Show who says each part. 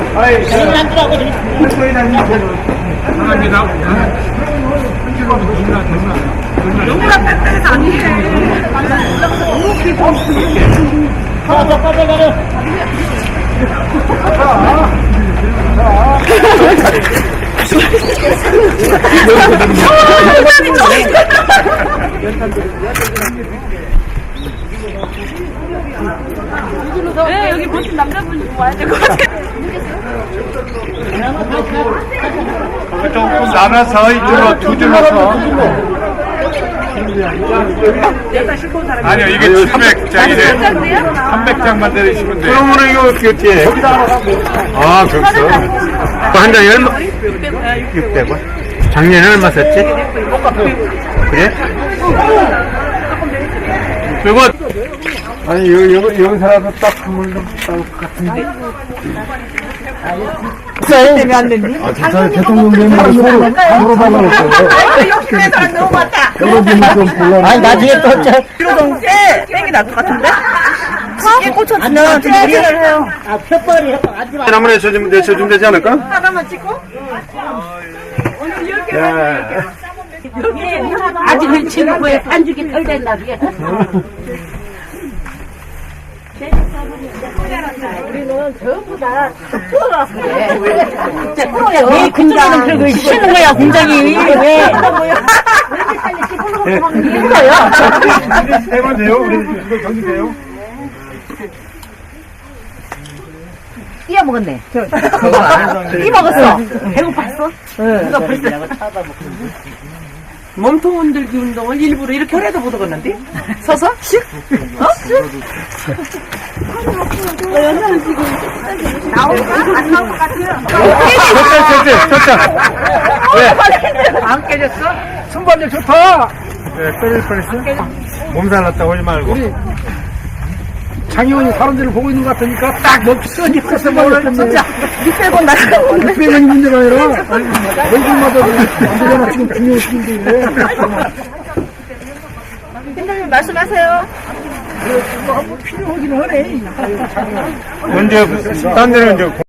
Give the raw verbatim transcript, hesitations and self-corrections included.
Speaker 1: 아이, 저는 안 들어가고 감사합니다.
Speaker 2: 요구랑 뺀다해서 안 돼.
Speaker 1: 자, 자, 빨리 가려.
Speaker 2: 네, 여기 멋진 남자분이 와야 될 것 같아요.
Speaker 3: 조금 나눠서 이쪽으로 두 줄로 서. 아니요, 이게 칠백 장이래. 삼백 장만 내리시면 돼요. 그러면 이거 어떻게 아, 그렇죠. 한 장에 얼마? 육백 원. 작년에 얼마 썼지? 그래? 육백 원. 아니, 여기, 여기, 여기서라도 딱 선물 좀 따올 것 같은데.
Speaker 2: 때문에 안 됐니?
Speaker 3: 아, 진짜 대통령 되면 서로, 서로 받아놓고.
Speaker 2: 욕심내서 안 너무 많다.
Speaker 3: 좀 곤란해.
Speaker 1: 아니, 나중에 또, 저,
Speaker 2: 필요동 때 땡이 날 것 같은데? 쉽게 꽂혀주면 좀 무리를 해요.
Speaker 1: 아, 푯벌이 하지 마.
Speaker 3: 한번 내쳐주면, 내쳐주면 되지 않을까?
Speaker 2: 하나만 찍고?
Speaker 3: 야.
Speaker 1: 아직은 친구의 반죽이 덜 된다, 그게. 우리는 전부 다 뚫어서 그래. 진짜 뚫어야 왜 공장은 그러고 쉬는 거야, 공장이. 왜? 왜 이렇게 빨리 힘들어요.
Speaker 3: 해만 돼요? 우리 이거 경기 돼요?
Speaker 1: 띄어 먹었네. 띄 먹었어. 배고팠어? 응. 벌써.
Speaker 2: 몸통 흔들기 운동을 일부러 이렇게 해도 못 하겠는데? 서서? 슉? 어? 슉? 나올까? 안 나올 것 같아요.
Speaker 3: 됐다, 됐다, 됐다.
Speaker 2: 안 깨졌어?
Speaker 3: 순발력 좋다. 네, 때릴 뻔했어. 몸살 났다 오지 말고.
Speaker 4: 장의원이 사람들을 보고 있는 것 같으니까 딱 먹기 써니까서 먹을 텐데
Speaker 2: 진짜 육백 원 나가고
Speaker 4: 육백 원이 문제가 아니라 얼굴마다 문제가 지금 중요한 시기인데
Speaker 2: 팀장님 말씀하세요.
Speaker 4: 필요하긴 하네.
Speaker 3: 언제, 딴 데는 이제